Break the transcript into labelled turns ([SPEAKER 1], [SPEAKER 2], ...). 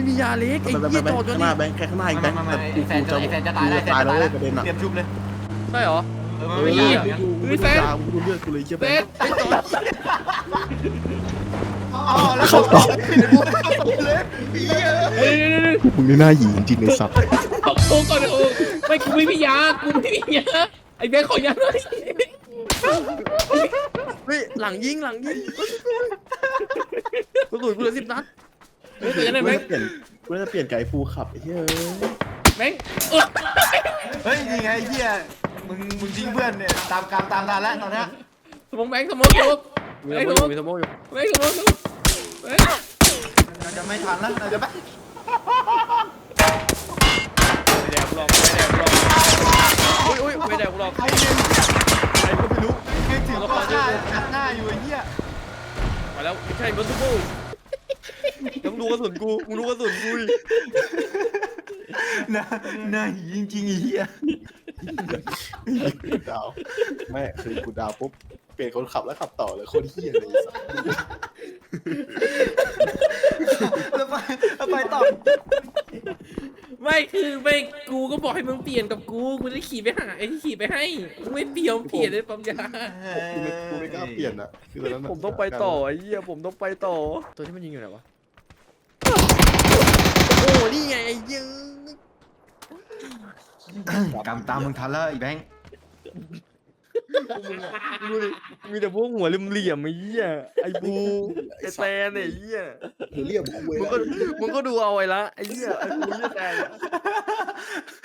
[SPEAKER 1] มียาเล็กไอ้เหี้ยจอดจน
[SPEAKER 2] ข้างห
[SPEAKER 1] นี่
[SPEAKER 2] น้าแบงค์แค่ข้างหน้าอีกแบงค์
[SPEAKER 3] ไม่
[SPEAKER 2] แต่
[SPEAKER 3] ไอ้
[SPEAKER 2] กู
[SPEAKER 3] แฟน
[SPEAKER 2] จะ
[SPEAKER 3] จะตายแล้วแฟน
[SPEAKER 2] ตาย
[SPEAKER 3] จะ
[SPEAKER 2] แล้ว
[SPEAKER 3] ตาย
[SPEAKER 2] เว้ยประเด็นอ่ะ
[SPEAKER 3] เตรียมชุบเลย
[SPEAKER 1] ใช่เหรอ
[SPEAKER 3] มันไม่ยาก
[SPEAKER 1] เฮ้ยแฟน
[SPEAKER 2] กูเลือดกูเลยเชี่ย
[SPEAKER 1] เฟ
[SPEAKER 2] แบง
[SPEAKER 1] ส
[SPEAKER 2] ค์
[SPEAKER 1] ไอ้จอด
[SPEAKER 3] อ๋อแล้วเขาต่อเลย
[SPEAKER 2] มึงนี่น่าหยีจริงๆไอ้สัตว์
[SPEAKER 1] โอ้ก่อนโอ้ไม่กูไม่มียากูไม่มียาไอ้แบงค์ขอยาหน่อยเฮ้ยหลังยิงกระสุนกูเหลือ10 นัดเฮ้ยแต่ยังไงแบงค์
[SPEAKER 2] กูจะเปลี่ยนไก่ฟูขับไอ้เหี้ย
[SPEAKER 1] แบงค์
[SPEAKER 3] เฮ้ยนี่ไงเฮียมึงทิ้งเพื่อนเนี่ยตามกรรมตามทันแล้วตอนเนี้ย
[SPEAKER 1] สมองแบงค์สมองอยู่
[SPEAKER 2] มีสมองอยู่
[SPEAKER 1] แบงค์สมองอยู่แบงค์
[SPEAKER 3] เราจะไม่ทันแล้วเราจะไม่
[SPEAKER 1] ไม่แดกหรอกไม่แดกหรอก
[SPEAKER 3] ใครเนี่ยใครก็ไม่รู้เก่งถึงก็หน้าอัดหน้าอยู่ไอ้เหี้ย
[SPEAKER 1] มาแล้วไม่ใช่เบอร์ซูบูต้องดูกระสุนกูมึงดูกระสุนกูดิ
[SPEAKER 3] หน้าจริงๆไอ้เหี้ย
[SPEAKER 2] ดาวไม่คือกูดาวปุ๊บเปลี่ยนคนขับแล้วขับต่อเลยคนเหี้ยเลย
[SPEAKER 3] แล้วไปต่อ
[SPEAKER 1] ไม่คือไม่กูก็บอกให้มึงเปลี่ยนกับกูจะขี่ไปหาไอ้ที่ขี่ไปให้มึงไม่เปลี่ยนเปลี่ยนเลยปั๊มยา
[SPEAKER 2] กูไม่กล้าเปลี่ยนอ่ะคือตอนนั้น
[SPEAKER 1] ผมต้องไปต่อไอ้เหี้ยผมต้องไปต่อตัวที่มันยิงอยู่ไหนวะโอ้นี่ไงไอ้ยิง
[SPEAKER 3] กรรมตามมึงทันแล้วไอ้แบงค์
[SPEAKER 1] ดูดิมีแต่พวกหัวเหลี่ยมๆไอ้เหี้ยไอ้บูไอ้แตนไอ้เหี้ย
[SPEAKER 2] เรียกกูเว้ย
[SPEAKER 1] มึงก็ดูเอาไว้ละไอ้เหี้ยไอ้บูไอ้แตน